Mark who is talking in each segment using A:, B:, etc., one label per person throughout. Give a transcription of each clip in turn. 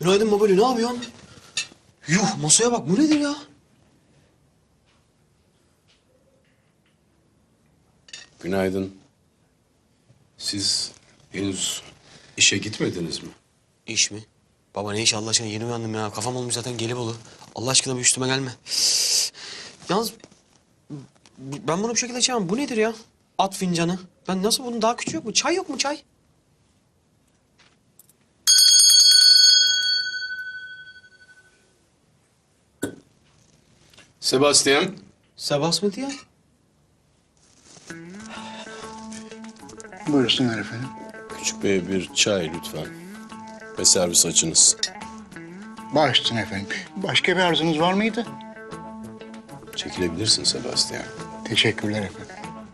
A: Günaydın Babali, ne yapıyorsun? Yuh, masaya bak, bu nedir ya?
B: Günaydın. Siz henüz işe gitmediniz mi?
A: İş mi? Baba ne iş Allah aşkına, yeni uyandım ya. Kafam olmuş zaten Gelibolu. Allah aşkına bir üstüme gelme. Yalnız ben bunu bu şekilde içemem. Bu nedir ya? At fincanı. Ben nasıl, bunun daha küçüğü yok mu? Çay yok mu, çay?
B: Sebastian.
A: Sebas mı diye?
C: Buyursunlar efendim.
B: Küçük bey bir çay lütfen. Ve servis açınız.
C: Baş üstüne efendim. Başka bir arzunuz var mıydı?
B: Çekilebilirsin Sebastian.
C: Teşekkürler efendim.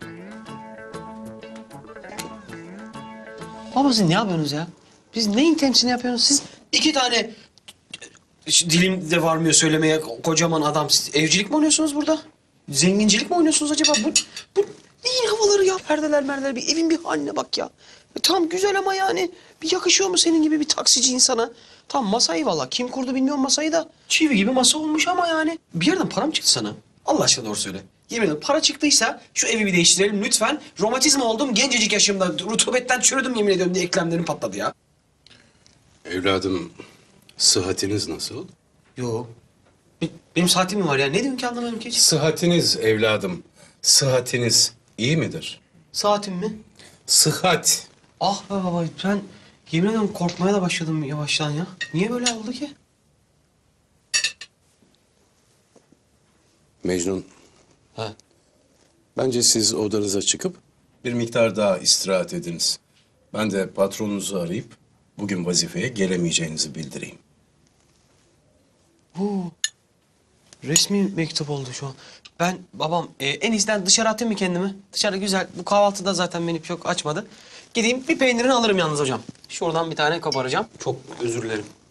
A: Baba siz ne yapıyorsunuz ya? Biz neyin temsilini yapıyorsunuz siz? İki tane dilim de varmıyor söylemeye, kocaman adam. Siz evcilik mi oynuyorsunuz burada? Zengincilik mi oynuyorsunuz acaba? Bu neyin havaları ya? Perdeler merdeler, bir evin bir haline bak ya. Tamam güzel ama yani bir yakışıyor mu senin gibi bir taksici insana? Tamam masayı valla kim kurdu bilmiyorum masayı da. Çivi gibi masa olmuş ama yani. Bir yerden para mı çıktı sana? Allah aşkına doğru söyle. Yemin ederim para çıktıysa şu evi bir değiştirelim lütfen. Romatizma oldum gencecik yaşımda. Rutubetten çürüdüm yemin ediyorum diye eklemlerim patladı ya.
B: Evladım, sıhhatiniz nasıl?
A: Yo. Benim saatim mi var ya? Ne diyorsun ki anlamadım ki hiç.
B: Sıhhatiniz evladım. Sıhhatiniz iyi midir?
A: Saatim mi?
B: Sıhhat.
A: Ah be baba ben yemin ediyorum korkmaya da başladım yavaştan ya. Niye böyle oldu ki?
B: Mecnun,
A: Ha.
B: bence siz odanıza çıkıp bir miktar daha istirahat ediniz. Ben de patronunuzu arayıp bugün vazifeye gelemeyeceğinizi bildireyim.
A: Resmi mektup oldu şu an. Ben babam en iyisinden dışarı atayım mı kendimi? Dışarı güzel. Bu kahvaltıda zaten beni çok açmadı. Gideyim bir peynirini alırım yalnız hocam. Şuradan bir tane koparacağım. Çok özür dilerim.